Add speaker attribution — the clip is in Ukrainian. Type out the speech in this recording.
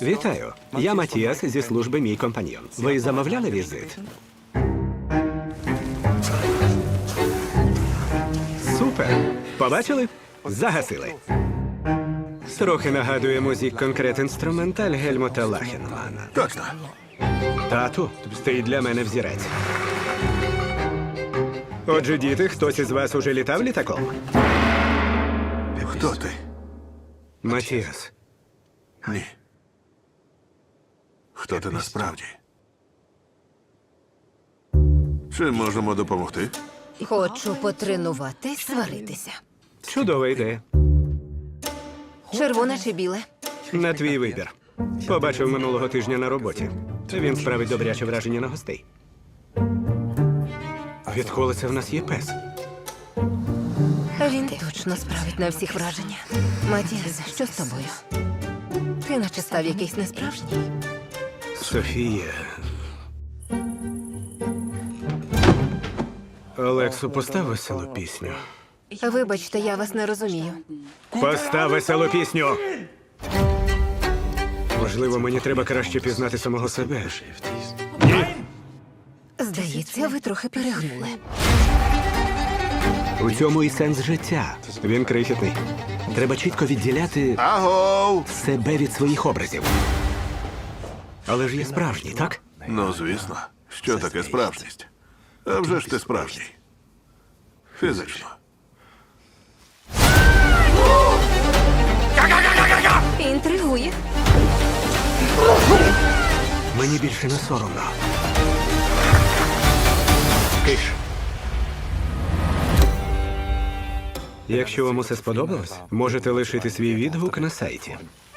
Speaker 1: Вітаю. Я Матіас зі служби «Мій компаньйон». Ви замовляли візит? Супер! Побачили? Загасили. Трохи нагадує музик конкрет інструменталь Гельмута Лахенмана.
Speaker 2: Точно.
Speaker 1: Тату, ти для мене взірець. Отже, діти, хтось із вас уже літав літаком?
Speaker 2: Хто ти?
Speaker 1: Матіас.
Speaker 2: Ні. Хто ти насправді? Чим можемо допомогти?
Speaker 3: Хочу потренуватись сваритися.
Speaker 1: Чудова ідея.
Speaker 3: Червоне чи біле?
Speaker 1: На твій вибір. Побачив минулого тижня на роботі. Він справить добряче враження на гостей. Відколи це в нас є пес?
Speaker 3: Він точно справить на всіх враження. Матіас, що з тобою? Ти наче став якийсь несправжній.
Speaker 1: Софія. Олексу, постав веселу пісню.
Speaker 3: Вибачте, я вас не розумію.
Speaker 1: Постав веселу пісню! Можливо, мені треба краще пізнати самого себе. Ні?
Speaker 3: Здається, ви трохи перегнули.
Speaker 1: У цьому і сенс життя. Він крихітний. Треба чітко відділяти
Speaker 2: Агов!
Speaker 1: себе від своїх образів. Але ж є справжній, так?
Speaker 2: Ну, звісно. Що таке справжність? А вже ж ти справжній. Фізично.
Speaker 3: Інтригує.
Speaker 1: Мені більше не соромно. Киш. Якщо вам усе сподобалось, можете лишити свій відгук на сайті.